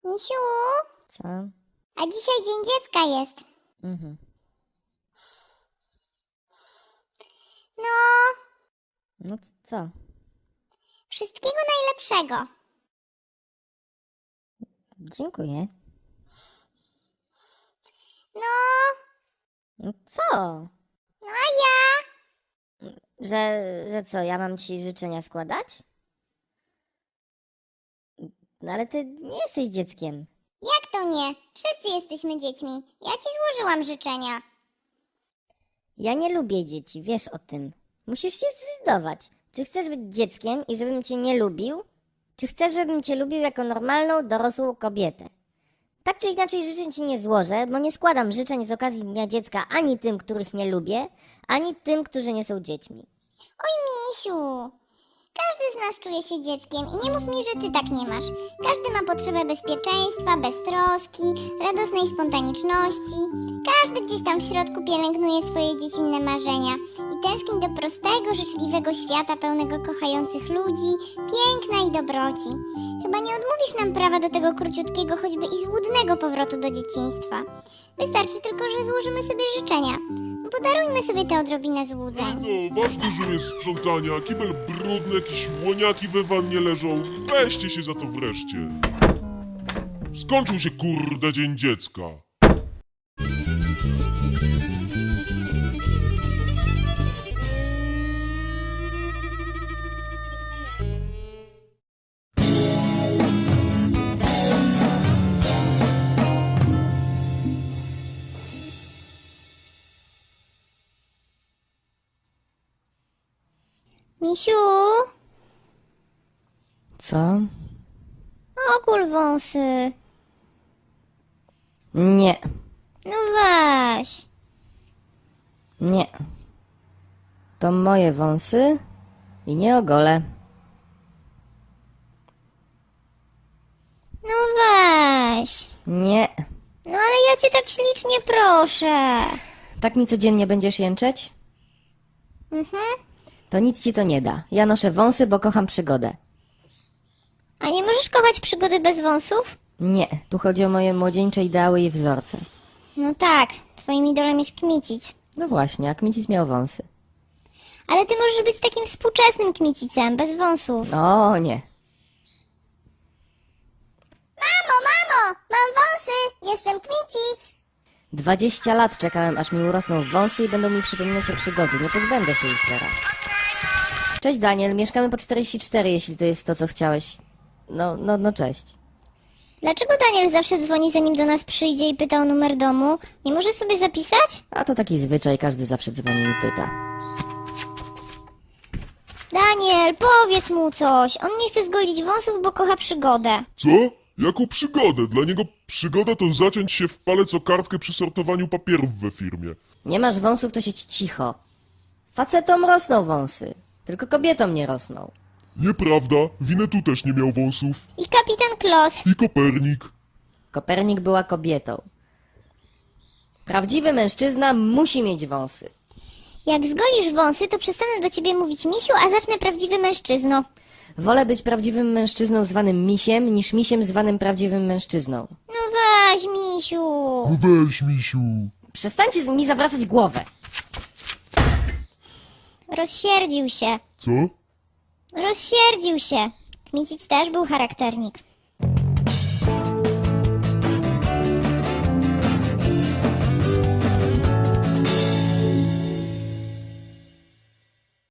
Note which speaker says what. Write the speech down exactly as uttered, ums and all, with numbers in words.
Speaker 1: Misiu,
Speaker 2: Co?
Speaker 1: a dzisiaj Dzień Dziecka jest.
Speaker 2: Mhm.
Speaker 1: No,
Speaker 2: No c- co?
Speaker 1: wszystkiego najlepszego.
Speaker 2: Dziękuję.
Speaker 1: No,
Speaker 2: No co?
Speaker 1: no a ja?
Speaker 2: Że, że co, ja mam ci życzenia składać? No ale ty nie jesteś dzieckiem.
Speaker 1: Jak to nie? Wszyscy jesteśmy dziećmi. Ja ci złożyłam życzenia.
Speaker 2: Ja nie lubię dzieci, wiesz o tym. Musisz się zdecydować. Czy chcesz być dzieckiem i żebym cię nie lubił? Czy chcesz, żebym cię lubił jako normalną, dorosłą kobietę? Tak czy inaczej życzeń ci nie złożę, bo nie składam życzeń z okazji Dnia Dziecka ani tym, których nie lubię, ani tym, którzy nie są dziećmi.
Speaker 1: Oj, Misiu, każdy z nas czuje się dzieckiem i nie mów mi, że ty tak nie masz. Każdy ma potrzebę bezpieczeństwa, beztroski, radosnej spontaniczności. Każdy gdzieś tam w środku pielęgnuje swoje dziecinne marzenia i tęskni do prostego, życzliwego świata pełnego kochających ludzi, piękna i dobroci. Chyba nie odmówisz nam prawa do tego króciutkiego, choćby i złudnego powrotu do dzieciństwa. Wystarczy tylko, że złożymy sobie życzenia. Podarujmy sobie tę odrobinę złudzeń.
Speaker 3: No, ważny żół jest sprzątania, kibel brudny, jakieś łoniaki we wannie leżą. Weźcie się za to wreszcie. Skończył się kurde Dzień Dziecka.
Speaker 1: Misiu,
Speaker 2: Co?
Speaker 1: ogól wąsy.
Speaker 2: Nie,
Speaker 1: No weź.
Speaker 2: nie. To moje wąsy i nie ogolę.
Speaker 1: No weź.
Speaker 2: Nie.
Speaker 1: No ale ja cię tak ślicznie proszę.
Speaker 2: Tak mi codziennie będziesz jęczeć?
Speaker 1: Mhm.
Speaker 2: To nic ci to nie da. Ja noszę wąsy, bo kocham przygodę.
Speaker 1: A nie możesz kochać przygody bez wąsów?
Speaker 2: Nie, tu chodzi o moje młodzieńcze ideały i wzorce.
Speaker 1: No tak, twoim idolem jest Kmicic.
Speaker 2: No właśnie, jak mi dziś miał wąsy.
Speaker 1: Ale ty możesz być takim współczesnym Kmicicem, bez wąsów.
Speaker 2: O nie.
Speaker 1: Mamo, mamo, mam wąsy, jestem Kmicic.
Speaker 2: Dwadzieścia lat czekałem, aż mi urosną wąsy i będą mi przypominać o przygodzie. Nie pozbędę się ich teraz. Cześć Daniel, mieszkamy po czterdzieści cztery, jeśli to jest to, co chciałeś. No, no, no cześć.
Speaker 1: Dlaczego Daniel zawsze dzwoni, zanim do nas przyjdzie i pyta o numer domu? Nie może sobie zapisać?
Speaker 2: A to taki zwyczaj, każdy zawsze dzwoni i pyta.
Speaker 1: Daniel, powiedz mu coś. On nie chce zgolić wąsów, bo kocha przygodę.
Speaker 3: Co? Jaką przygodę? Dla niego przygoda to zaciąć się w palec o kartkę przy sortowaniu papierów we firmie.
Speaker 2: Nie masz wąsów, to siedź cicho. Facetom rosną wąsy, tylko kobietom nie rosną.
Speaker 3: Nieprawda, Winnetou też nie miał wąsów.
Speaker 1: I kapitan Klos.
Speaker 3: I Kopernik.
Speaker 2: Kopernik była kobietą. Prawdziwy mężczyzna musi mieć wąsy.
Speaker 1: Jak zgolisz wąsy, to przestanę do ciebie mówić misiu, a zacznę prawdziwy mężczyzno.
Speaker 2: Wolę być prawdziwym mężczyzną zwanym misiem, niż misiem zwanym prawdziwym mężczyzną.
Speaker 1: No weź, misiu.
Speaker 3: No weź, misiu.
Speaker 2: Przestańcie z- mi zawracać głowę.
Speaker 1: Rozsierdził się.
Speaker 3: Co?
Speaker 1: Rozsierdził się. Kmicic też był charakternik.